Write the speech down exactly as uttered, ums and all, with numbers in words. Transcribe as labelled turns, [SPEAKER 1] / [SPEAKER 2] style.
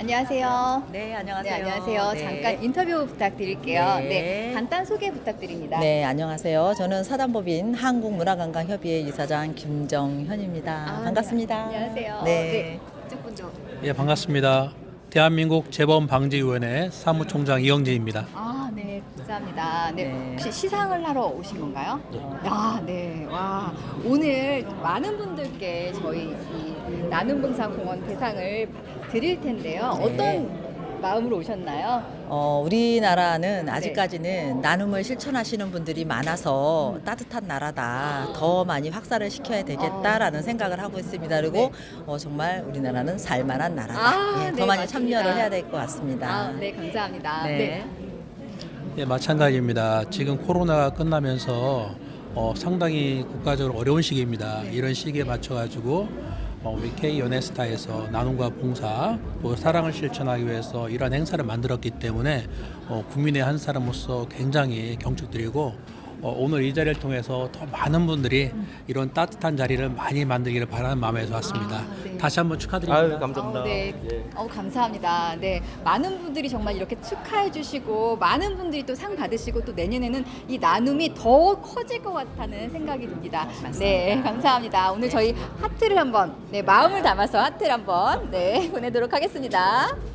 [SPEAKER 1] 안녕하세요.
[SPEAKER 2] 네,
[SPEAKER 1] 네,
[SPEAKER 2] 안녕하세요.
[SPEAKER 1] 안녕하세요.
[SPEAKER 2] 네.
[SPEAKER 1] 잠깐 인터뷰 부탁드릴게요.
[SPEAKER 2] 네.
[SPEAKER 1] 네, 간단 소개 부탁드립니다.
[SPEAKER 2] 네, 안녕하세요. 저는 사단법인 한국문화관광협의회 이사장 김정현입니다.
[SPEAKER 1] 아,
[SPEAKER 2] 반갑습니다.
[SPEAKER 1] 네, 안녕하세요.
[SPEAKER 2] 네.
[SPEAKER 1] 네, 이쪽 분도.
[SPEAKER 3] 예, 반갑습니다. 대한민국 재범방지위원회 사무총장 이영진입니다.
[SPEAKER 1] 아, 네, 감사합니다. 네,
[SPEAKER 2] 네.
[SPEAKER 1] 혹시 시상을 하러 오신 건가요? 아, 네, 와, 오늘 많은 분들께 저희 이 나눔봉사공원 대상을 드릴 텐데요.
[SPEAKER 2] 네.
[SPEAKER 1] 어떤 마음으로 오셨나요?
[SPEAKER 2] 어, 우리나라는 아직까지는 나눔을 실천하시는 분들이 많아서 따뜻한 나라다. 더 많이 확산을 시켜야 되겠다라는 생각을 하고 있습니다. 그리고
[SPEAKER 1] 네.
[SPEAKER 2] 어, 정말 우리나라는 살만한 나라다.
[SPEAKER 1] 아,
[SPEAKER 2] 예, 더
[SPEAKER 1] 네,
[SPEAKER 2] 많이
[SPEAKER 1] 맞습니다.
[SPEAKER 2] 참여를 해야 될 것 같습니다.
[SPEAKER 1] 아, 네, 감사합니다.
[SPEAKER 2] 네.
[SPEAKER 1] 네.
[SPEAKER 3] 예, 마찬가지입니다. 지금 코로나가 끝나면서 어, 상당히 국가적으로 어려운 시기입니다. 이런 시기에 맞춰가지고 어, 우리 K 연예스타에서 나눔과 봉사 또 사랑을 실천하기 위해서 이러한 행사를 만들었기 때문에 어, 국민의 한 사람으로서 굉장히 경축드리고 어, 오늘 이 자리를 통해서 더 많은 분들이 이런 따뜻한 자리를 많이 만들기를 바라는 마음에서 왔습니다.
[SPEAKER 1] 아, 네.
[SPEAKER 3] 다시 한번 축하드립니다.
[SPEAKER 4] 아유, 감사합니다.
[SPEAKER 1] 어, 네. 어, 감사합니다. 네. 많은 분들이 정말 이렇게 축하해 주시고 많은 분들이 또 상 받으시고 또 내년에는 이 나눔이 더 커질 것 같다는 생각이 듭니다. 네, 감사합니다. 오늘 저희 하트를 한번 네, 마음을 담아서 하트를 한번 네, 보내도록 하겠습니다.